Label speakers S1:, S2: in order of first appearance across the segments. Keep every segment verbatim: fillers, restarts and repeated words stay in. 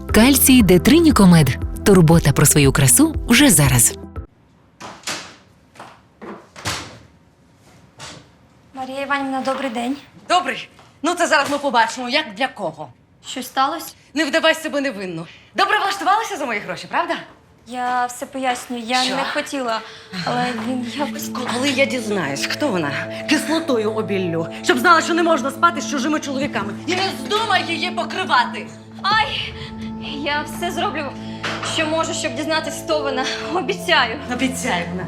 S1: Кальцій Детринікомед. Турбота про свою красу вже зараз.
S2: Марія Іванівна, добрий день.
S3: Добрий. Ну, це зараз ми побачимо, як для кого.
S2: Щось сталося?
S3: Не вдавай себе невинну. Добре влаштувалася за мої гроші, правда?
S2: Я все пояснюю, я
S3: Що?
S2: не хотіла, але він якось...
S3: Коли я дізнаюсь, хто вона, кислотою обіллю, щоб знала, що не можна спати з чужими чоловіками. І не вздумай її покривати.
S2: Ай! Я все зроблю, що можу, щоб дізнатися, хто вона. Обіцяю.
S3: Обіцяю вона.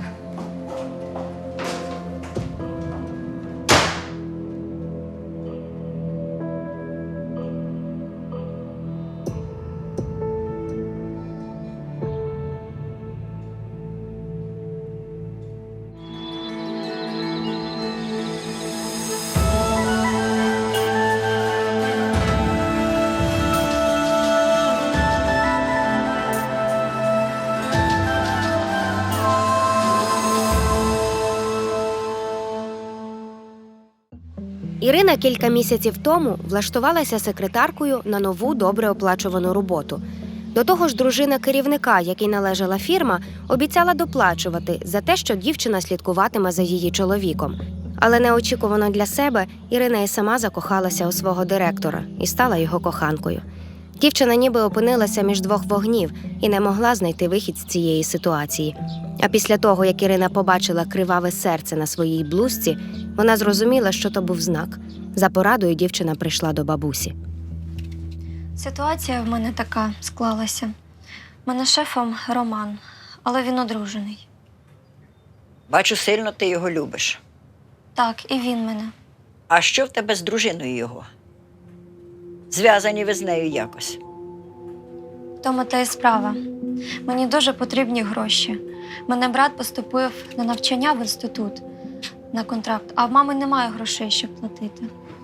S4: Ірина кілька місяців тому влаштувалася секретаркою на нову добре оплачувану роботу. До того ж, дружина керівника, якій належала фірма, обіцяла доплачувати за те, що дівчина слідкуватиме за її чоловіком. Але неочікувано для себе Ірина і сама закохалася у свого директора і стала його коханкою. Дівчина ніби опинилася між двох вогнів і не могла знайти вихід з цієї ситуації. А після того, як Ірина побачила криваве серце на своїй блузці, вона зрозуміла, що то був знак. За порадою дівчина прийшла до бабусі.
S2: Ситуація в мене така склалася. У мене шефом Роман, але він одружений.
S5: Бачу, сильно ти його любиш.
S2: Так, і він мене.
S5: А що в тебе з дружиною його? Зв'язані ви з нею якось.
S2: В тому та й справа. Мені дуже потрібні гроші. Мене брат поступив на навчання в інститут на контракт, а в мами немає грошей, щоб платити.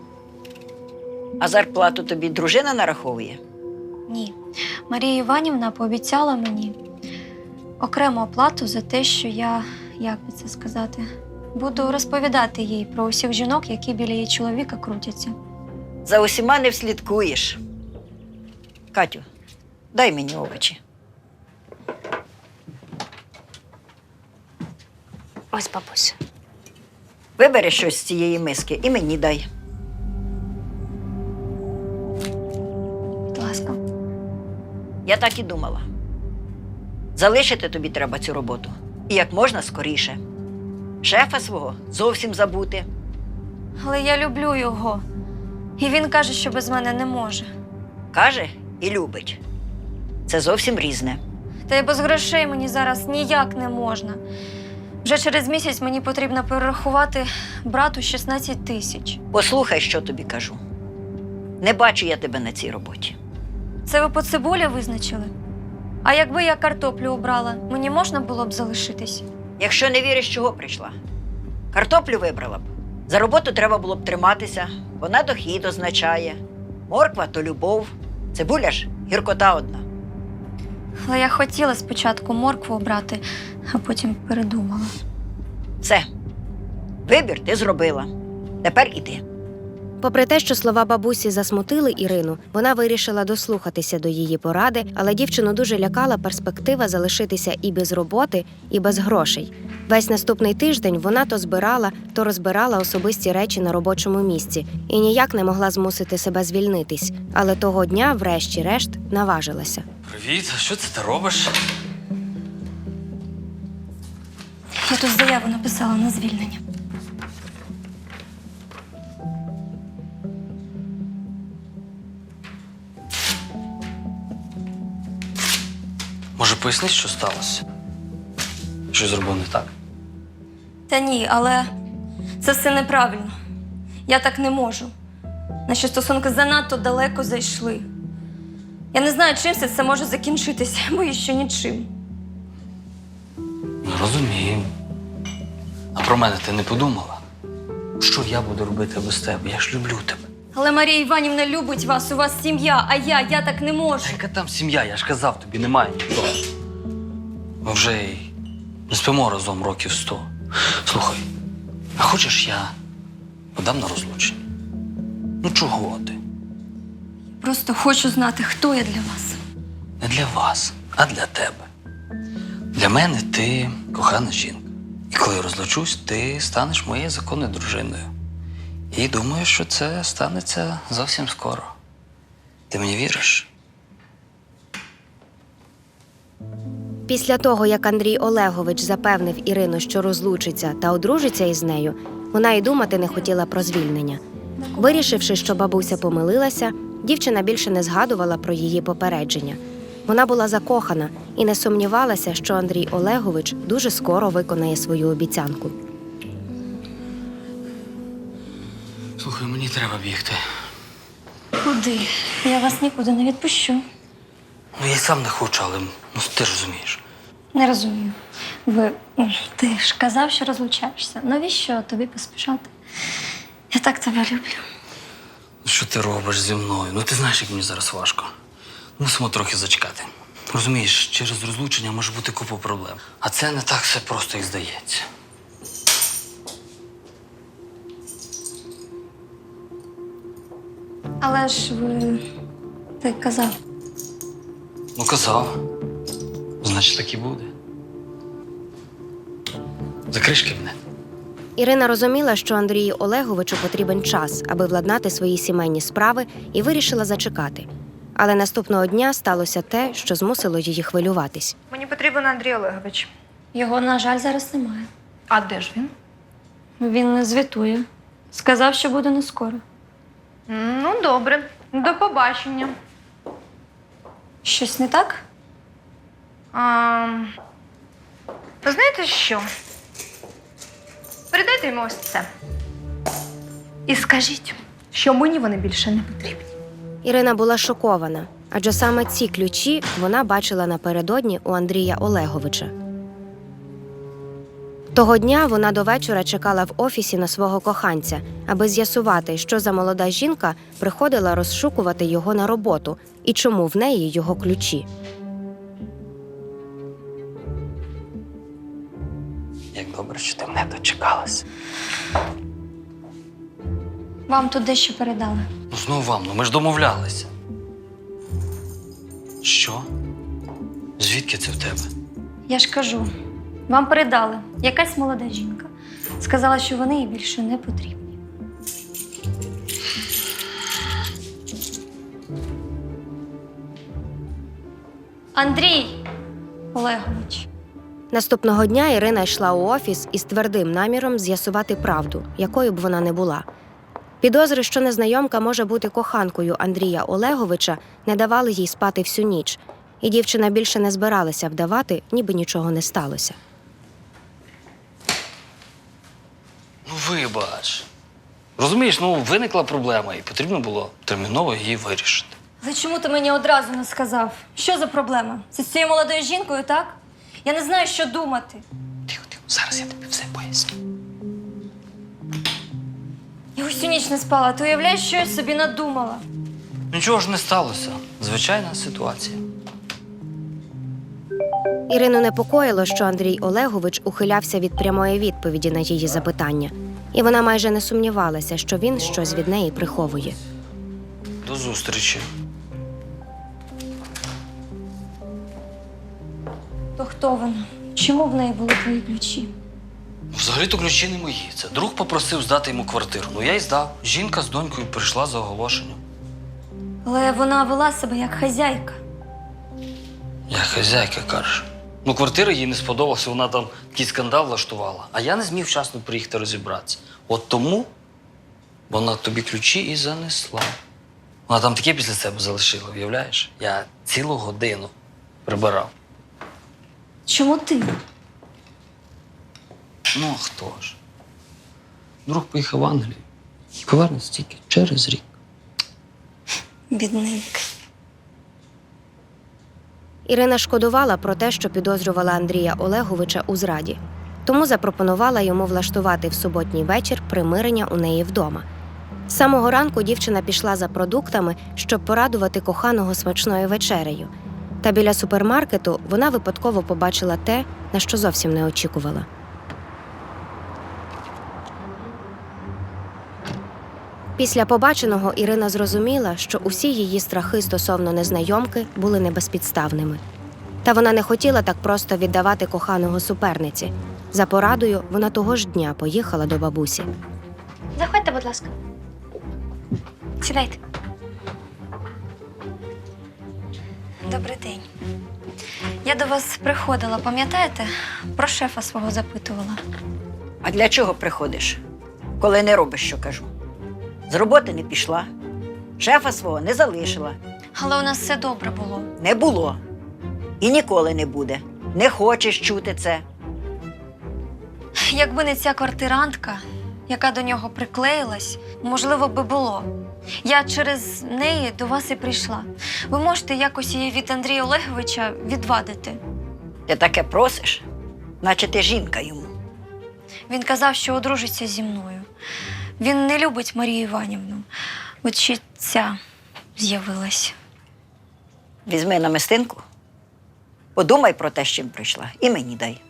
S5: А зарплату тобі дружина нараховує?
S2: Ні. Марія Іванівна пообіцяла мені окрему оплату за те, що я, як би це сказати, буду розповідати їй про усіх жінок, які біля її чоловіка крутяться.
S5: За усіма не вслідкуєш. Катю, дай мені овочі.
S4: Ось, бабуся.
S5: Вибери щось з цієї миски і мені дай.
S2: Будь ласка.
S5: Я так і думала. Залишити тобі треба цю роботу. І як можна скоріше. Шефа свого зовсім забути.
S2: Але я люблю його. І він каже, що без мене не може.
S5: Каже і любить. Це зовсім різне.
S2: Та й без грошей мені зараз ніяк не можна. Вже через місяць мені потрібно перерахувати брату шістнадцять тисяч.
S5: Послухай, що тобі кажу. Не бачу я тебе на цій роботі.
S2: Це ви по цибулі визначили? А якби я картоплю обрала, мені можна було б залишитись?
S5: Якщо не віриш, чого прийшла? Картоплю вибрала б. За роботу треба було б триматися. Вона дохід означає. Морква – то любов. Цибуля ж – гіркота одна.
S2: Але я хотіла спочатку моркву обрати, а потім передумала.
S5: Все. Вибір ти зробила. Тепер іди.
S4: Попри те, що слова бабусі засмутили Ірину, вона вирішила дослухатися до її поради, але дівчину дуже лякала перспектива залишитися і без роботи, і без грошей. Весь наступний тиждень вона то збирала, то розбирала особисті речі на робочому місці і ніяк не могла змусити себе звільнитись. Але того дня, врешті-решт, наважилася.
S6: Привіт, а що це ти робиш?
S2: Я тут заяву написала на звільнення.
S6: Може, поясни, що сталося? Що зробив не так?
S2: Та ні, але це все неправильно. Я так не можу. Наші стосунки занадто далеко зайшли. Я не знаю, чим все це може закінчитися, боюсь, що нічим.
S6: Ну, розумію. А про мене ти не подумала? Що я буду робити без тебе? Я ж люблю тебе.
S2: Але Марія Іванівна любить вас, у вас сім'я, а я, я так не можу.
S6: Та яка там сім'я? Я ж казав, тобі немає ніхто. Ми вже й не спимо разом років сто. Слухай, а хочеш я подам на розлучення? Ну чого ти?
S2: Просто хочу знати, хто я для вас.
S6: Не для вас, а для тебе. Для мене ти кохана жінка. І коли я розлучусь, ти станеш моєю законною дружиною. І думаю, що це станеться зовсім скоро. Ти мені віриш?
S4: Після того, як Андрій Олегович запевнив Ірину, що розлучиться та одружиться із нею, вона й думати не хотіла про звільнення. Вирішивши, що бабуся помилилася, дівчина більше не згадувала про її попередження. Вона була закохана і не сумнівалася, що Андрій Олегович дуже скоро виконає свою обіцянку.
S6: Слухай, мені треба бігти.
S2: Куди? Я вас нікуди не відпущу.
S6: Ну, я й сам не хочу, але ну, ти ж розумієш.
S2: Не розумію. Ви. Ти ж казав, що розлучаєшся. Навіщо тобі поспішати? Я так тебе люблю.
S6: Ну, що ти робиш зі мною? Ну, ти знаєш, як мені зараз важко. Мусимо трохи зачекати. Розумієш, через розлучення може бути купа проблем. А це не так все просто, як здається.
S2: Але ж ви. Ти казав.
S6: Ну, казав. Значить, так і буде. Закриш кабінет.
S4: Ірина розуміла, що Андрію Олеговичу потрібен час, аби владнати свої сімейні справи, і вирішила зачекати. Але наступного дня сталося те, що змусило її хвилюватись.
S7: Мені потрібен Андрій Олегович.
S2: Його, на жаль, зараз немає.
S7: А де ж він?
S2: Він не звітує. Сказав, що буде не скоро.
S7: Ну, добре. До побачення.
S2: Щось не так?
S7: А, знаєте що? Передайте йому ось це. І скажіть, що мені вони більше не потрібні.
S4: Ірина була шокована, адже саме ці ключі вона бачила напередодні у Андрія Олеговича. Того дня вона до вечора чекала в офісі на свого коханця, аби з'ясувати, що за молода жінка приходила розшукувати його на роботу і чому в неї його ключі.
S6: Як добре, що ти мене дочекалась.
S2: Вам тут дещо передали.
S6: Ну, знову вам, ну ми ж домовлялися. Що? Звідки це в тебе?
S2: Я ж кажу, вам передали. Якась молода жінка. Сказала, що вони їй більше не потрібні. Андрій Олегович.
S4: Наступного дня Ірина йшла у офіс із твердим наміром з'ясувати правду, якою б вона не була. Підозри, що незнайомка може бути коханкою Андрія Олеговича, не давали їй спати всю ніч, і дівчина більше не збиралася вдавати, ніби нічого не сталося.
S6: Ну, вибач. Розумієш, ну виникла проблема, і потрібно було терміново її вирішити.
S2: Але чому ти мені одразу не сказав? Що за проблема? Це з цією молодою жінкою, так? Я не знаю, що думати.
S6: Тихо, тихо, зараз я тобі все поясню.
S2: Я усю ніч не спала. Ти уявляєш, що я собі надумала?
S6: Нічого ж не сталося. Звичайна ситуація.
S4: Ірину непокоїло, що Андрій Олегович ухилявся від прямої відповіді на її запитання. І вона майже не сумнівалася, що він щось від неї приховує.
S6: До зустрічі.
S2: То хто вона? Чому в неї були твої ключі?
S6: Взагалі-то ключі не мої. Це друг попросив здати йому квартиру. Ну я й здав. Жінка з донькою прийшла за оголошенням.
S2: Але вона вела себе як хазяйка.
S6: Як хазяйка, кажеш. Ну, квартира їй не сподобалася, вона там такий скандал влаштувала. А я не зміг вчасно приїхати розібратися. От тому вона тобі ключі і занесла. Вона там таке після себе залишила, уявляєш? Я цілу годину прибирав.
S2: Чому ти?
S6: Ну, а хто ж? Друг поїхав в Англію і повернеться тільки через рік.
S2: Бідненький.
S4: Ірина шкодувала про те, що підозрювала Андрія Олеговича у зраді. Тому запропонувала йому влаштувати в суботній вечір примирення у неї вдома. З самого ранку дівчина пішла за продуктами, щоб порадувати коханого смачною вечерею. Та біля супермаркету вона випадково побачила те, на що зовсім не очікувала. Після побаченого Ірина зрозуміла, що усі її страхи стосовно незнайомки були небезпідставними. Та вона не хотіла так просто віддавати коханого суперниці. За порадою вона того ж дня поїхала до бабусі.
S2: Заходьте, будь ласка. Сідайте. Добрий день. Я до вас приходила, пам'ятаєте? Про шефа свого запитувала.
S5: А для чого приходиш, коли не робиш, що кажу? З роботи не пішла, шефа свого не залишила.
S2: Але у нас все добре було.
S5: Не було. І ніколи не буде. Не хочеш чути це.
S2: Якби не ця квартирантка, яка до нього приклеїлась, можливо, би було. Я через неї до вас і прийшла. Ви можете якось її від Андрія Олеговича відвадити.
S5: Ти таке просиш, наче ти жінка йому.
S2: Він казав, що одружиться зі мною. Він не любить Марію Іванівну. От ще ця з'явилась.
S5: Візьми намистинку, подумай про те, з чим прийшла, і мені дай.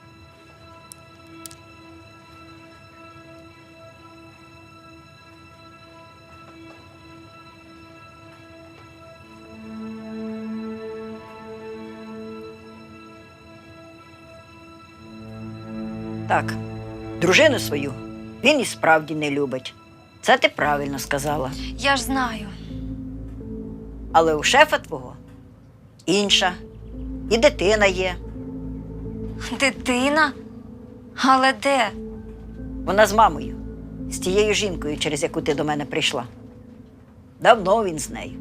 S5: Так, дружину свою він і справді не любить. Це ти правильно сказала.
S2: Я ж знаю.
S5: Але у шефа твого інша. І дитина є.
S2: Дитина? Але де?
S5: Вона з мамою, з тією жінкою, через яку ти до мене прийшла. Давно він з нею.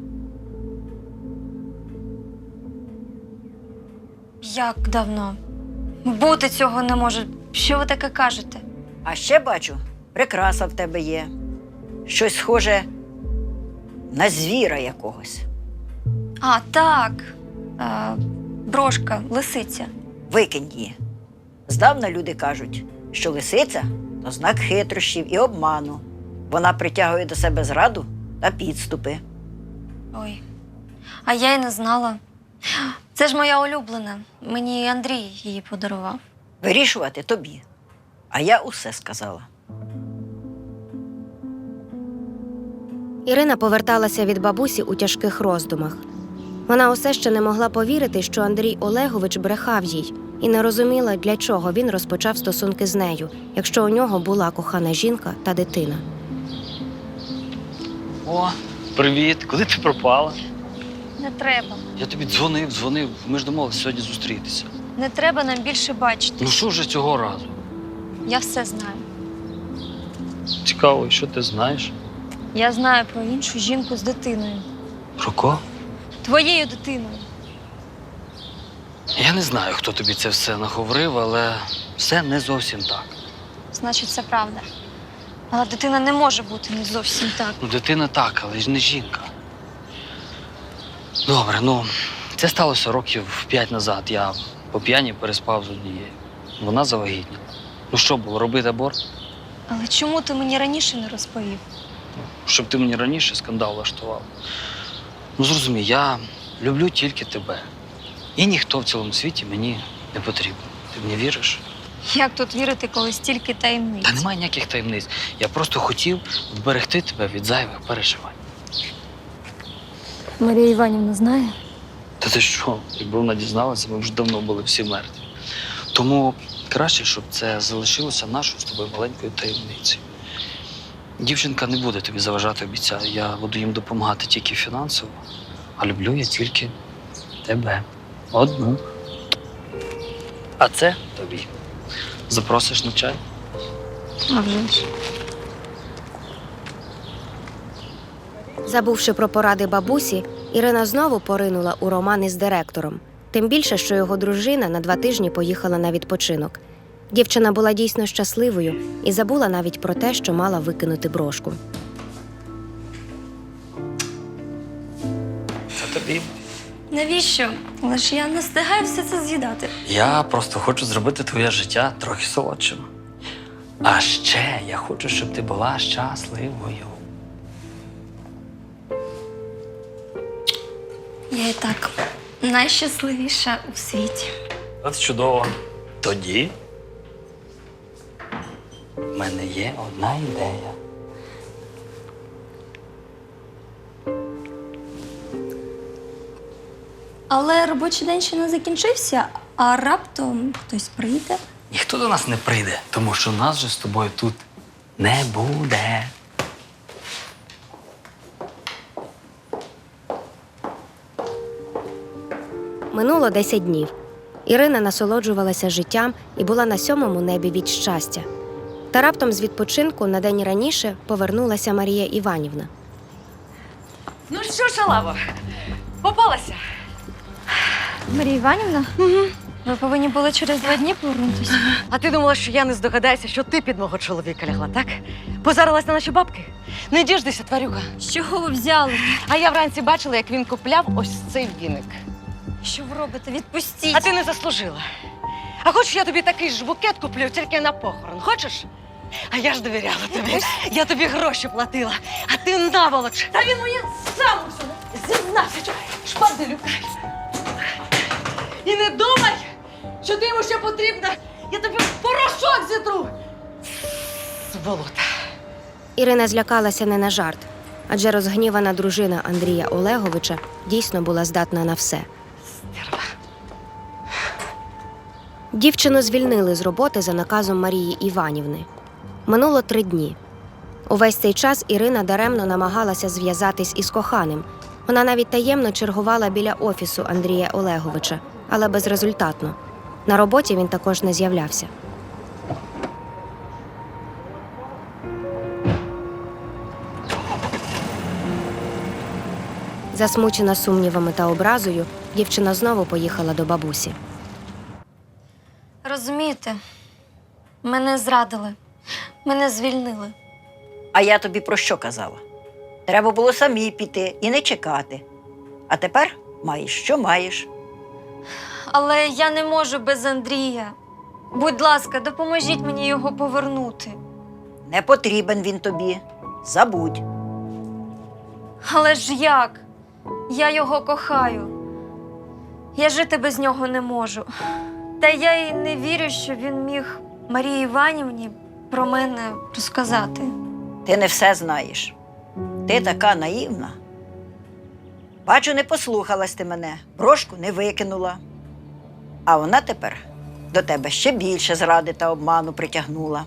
S2: Як давно? Бути цього не може. Що ви таке кажете?
S5: А ще бачу, прикраса в тебе є. Щось схоже на звіра якогось.
S2: А, так. А, брошка, лисиця.
S5: Викинь її. Здавна люди кажуть, що лисиця – то знак хитрощів і обману. Вона притягує до себе зраду та підступи.
S2: Ой, а я й не знала. Це ж моя улюблена. Мені Андрій її подарував.
S5: Вирішувати тобі. А я усе сказала.
S4: Ірина поверталася від бабусі у тяжких роздумах. Вона усе ще не могла повірити, що Андрій Олегович брехав їй, і не розуміла, для чого він розпочав стосунки з нею, якщо у нього була кохана жінка та дитина.
S6: О, привіт! Куди ти пропала?
S2: Не треба.
S6: Я тобі дзвонив, дзвонив. Ми ж домовилися сьогодні зустрітися.
S2: Не треба нам більше бачити.
S6: Ну що вже цього разу?
S2: Я все знаю.
S6: Цікаво, що ти знаєш?
S2: Я знаю про іншу жінку з дитиною.
S6: Про кого?
S2: Твоєю дитиною.
S6: Я не знаю, хто тобі це все наговорив, але все не зовсім так.
S2: Значить, це правда. Але дитина не може бути не зовсім так.
S6: Ну, дитина так, але ж не жінка. Добре, ну, це сталося років п'ять назад. Я по п'яні переспав з однією. Вона завагітніла. Ну що було, робити аборт?
S2: Але чому ти мені раніше не розповів?
S6: Щоб ти мені раніше скандал влаштував. Ну, зрозумій, я люблю тільки тебе. І ніхто в цілому світі мені не потрібен. Ти мені віриш?
S2: Як тут вірити, коли стільки таємниць?
S6: Та немає ніяких таємниць. Я просто хотів вберегти тебе від зайвих переживань.
S2: Марія Іванівна знає?
S6: Та ти що? Якби вона дізналася, ми вже давно були всі мертві. Тому краще, щоб це залишилося нашою з тобою маленькою таємницею. Дівчинка не буде тобі заважати, обіцяю. Я буду їм допомагати тільки фінансово, а люблю я тільки тебе. Одну. А це тобі. Запросиш на чай?
S2: А вже ж.
S4: Забувши про поради бабусі, Ірина знову поринула у роман із директором. Тим більше, що його дружина на два тижні поїхала на відпочинок. Дівчина була дійсно щасливою і забула навіть про те, що мала викинути брошку.
S6: Це тобі.
S2: Навіщо? Але ж я не встигаю все це з'їдати.
S6: Я просто хочу зробити твоє життя трохи солодшим. А ще я хочу, щоб ти була щасливою.
S2: Я і так найщасливіша у світі.
S6: От чудово. Тоді в мене є одна ідея.
S2: Але робочий день ще не закінчився, а раптом хтось прийде.
S6: Ніхто до нас не прийде, тому що нас же з тобою тут не буде.
S4: Минуло десять днів. Ірина насолоджувалася життям і була на сьомому небі від щастя. Та раптом з відпочинку на день раніше повернулася Марія Іванівна.
S3: Ну що, шалава, попалася?
S2: Марія Іванівна, ви повинні були через два дні повернутися.
S3: А ти думала, що я не здогадаюся, що ти під мого чоловіка лягла, так? Позарилась на наші бабки? Не діждися, тварюга.
S2: З чого ви взяли?
S3: А я вранці бачила, як він купляв ось цей віник.
S2: Що ви робите? Відпустіть!
S3: А ти не заслужила. А хочеш, я тобі такий ж букет куплю, тільки на похорон. Хочеш? А я ж довіряла тобі. Я тобі гроші платила, а ти наволоч. Та він мені сам у всьому зізнався, шпаделю. І не думай, що ти йому ще потрібна. Я тобі в порошок зітру. Сволота.
S4: Ірина злякалася не на жарт, адже розгнівана дружина Андрія Олеговича дійсно була здатна на все. Дівчину звільнили з роботи за наказом Марії Іванівни. Минуло три дні. Увесь цей час Ірина даремно намагалася зв'язатись із коханим. Вона навіть таємно чергувала біля офісу Андрія Олеговича, але безрезультатно. На роботі він також не з'являвся. Засмучена сумнівами та образою, дівчина знову поїхала до бабусі.
S2: Розумієте, мене зрадили, мене звільнили.
S5: А я тобі про що казала? Треба було самі піти і не чекати. А тепер маєш, що маєш.
S2: Але я не можу без Андрія. Будь ласка, допоможіть мені його повернути.
S5: Не потрібен він тобі. Забудь.
S2: Але ж як? Я його кохаю. Я жити без нього не можу. Та я й не вірю, що він міг Марії Іванівні про мене розказати.
S5: Ти не все знаєш. Ти така наївна. Бачу, не послухалась ти мене, брошку не викинула. А вона тепер до тебе ще більше зради та обману притягнула.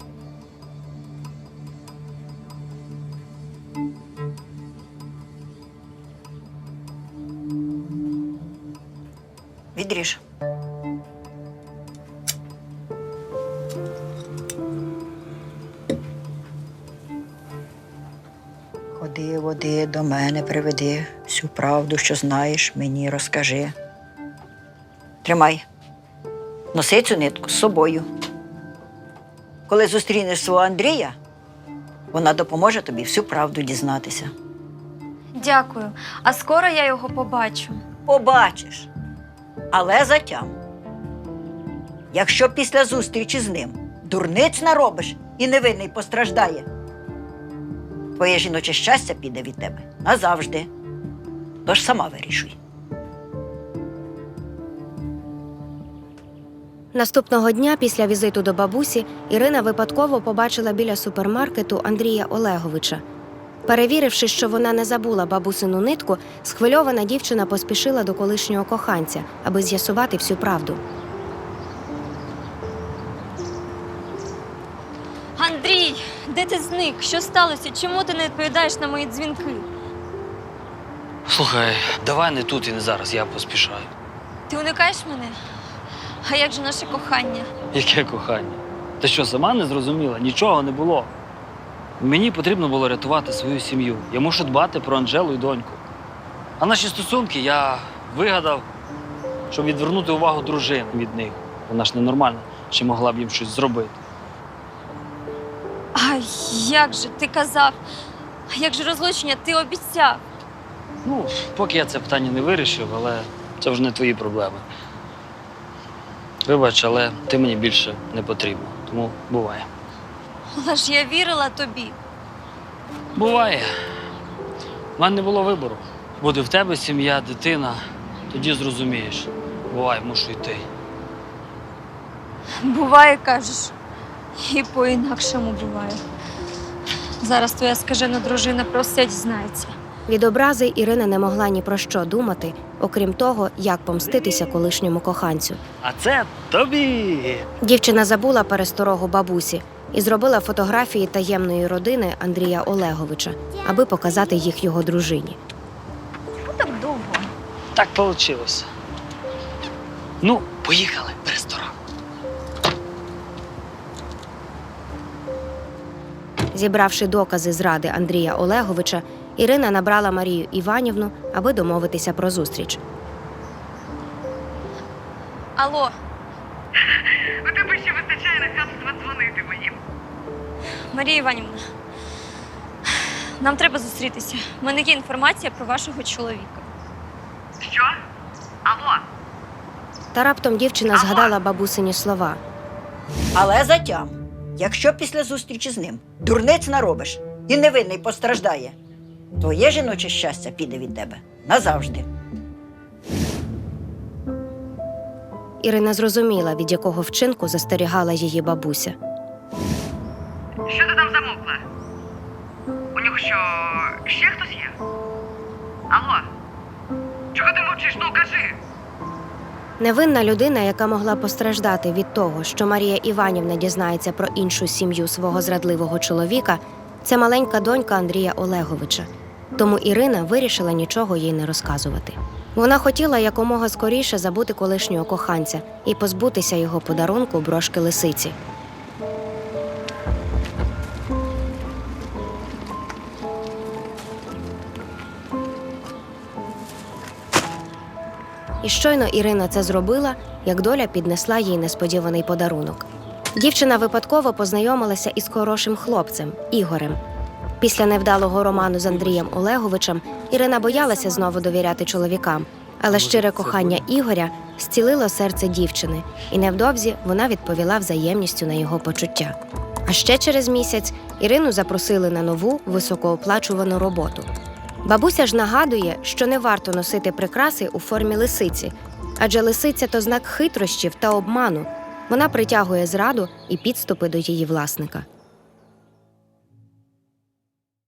S5: Відріж. Ходи, води, до мене приведи, всю правду, що знаєш, мені розкажи. Тримай. Носи цю нитку з собою. Коли зустрінеш свого Андрія, вона допоможе тобі всю правду дізнатися.
S2: Дякую. А скоро я його побачу.
S5: Побачиш. Але затям. Якщо після зустрічі з ним дурниць наробиш і невинний постраждає, твоє жіноче щастя піде від тебе назавжди. Тож сама вирішуй.
S4: Наступного дня після візиту до бабусі Ірина випадково побачила біля супермаркету Андрія Олеговича. Перевіривши, що вона не забула бабусину нитку, схвильована дівчина поспішила до колишнього коханця, аби з'ясувати всю правду.
S2: Андрій, де ти зник? Що сталося? Чому ти не відповідаєш на мої дзвінки?
S6: Слухай, давай не тут і не зараз, я поспішаю.
S2: Ти уникаєш мене? А як же наше кохання?
S6: Яке кохання? Ти що, сама не зрозуміла? Нічого не було. Мені потрібно було рятувати свою сім'ю. Я мушу дбати про Анжелу і доньку. А наші стосунки я вигадав, щоб відвернути увагу дружини від них. Вона ж ненормальна, ще могла б їм щось зробити.
S2: А як же? Ти казав. А як же розлучення? Ти обіцяв.
S6: Ну, поки я це питання не вирішив, але це вже не твої проблеми. Вибач, але ти мені більше не потрібна, тому буває.
S2: Але ж я вірила тобі.
S6: Буває. У мене не було вибору. Буде в тебе сім'я, дитина, тоді зрозумієш. Бувай, мушу йти.
S2: Буває, кажеш. І по-інакшому буває. Зараз твоя скажена дружина про все дізнається.
S4: Від образи Ірина не могла ні про що думати, окрім того, як помститися колишньому коханцю.
S8: А це тобі.
S4: Дівчина забула пересторогу бабусі і зробила фотографії таємної родини Андрія Олеговича, аби показати їх його дружині.
S2: Так довго.
S8: Так вийшло. Ну, поїхали в ресторан.
S4: Зібравши докази зради Андрія Олеговича, Ірина набрала Марію Іванівну, аби домовитися про зустріч.
S2: Алло,
S9: У тебе ще вистачає нахабства дзвонити мені.
S2: Марія Іванівна. Нам треба зустрітися. У мене є інформація про вашого чоловіка.
S9: Що? Алло?
S4: Та раптом дівчина згадала бабусині слова.
S5: Але затям, якщо після зустрічі з ним дурниць наробиш і невинний постраждає, твоє жіноче щастя піде від тебе назавжди.
S4: Ірина зрозуміла, від якого вчинку застерігала її бабуся.
S9: Що ти там замовкла? У нього що, ще хтось є? Алло? Чого ти мовчиш? Ну, кажи!
S4: Невинна людина, яка могла постраждати від того, що Марія Іванівна дізнається про іншу сім'ю свого зрадливого чоловіка, це маленька донька Андрія Олеговича. Тому Ірина вирішила нічого їй не розказувати. Вона хотіла якомога скоріше забути колишнього коханця і позбутися його подарунку брошки лисиці. І щойно Ірина це зробила, як доля піднесла їй несподіваний подарунок. Дівчина випадково познайомилася із хорошим хлопцем – Ігорем. Після невдалого роману з Андрієм Олеговичем Ірина боялася знову довіряти чоловікам, але щире кохання Ігоря зцілило серце дівчини, і невдовзі вона відповіла взаємністю на його почуття. А ще через місяць Ірину запросили на нову високооплачувану роботу. Бабуся ж нагадує, що не варто носити прикраси у формі лисиці, адже лисиця – то знак хитрощів та обману. Вона притягує зраду і підступи до її власника.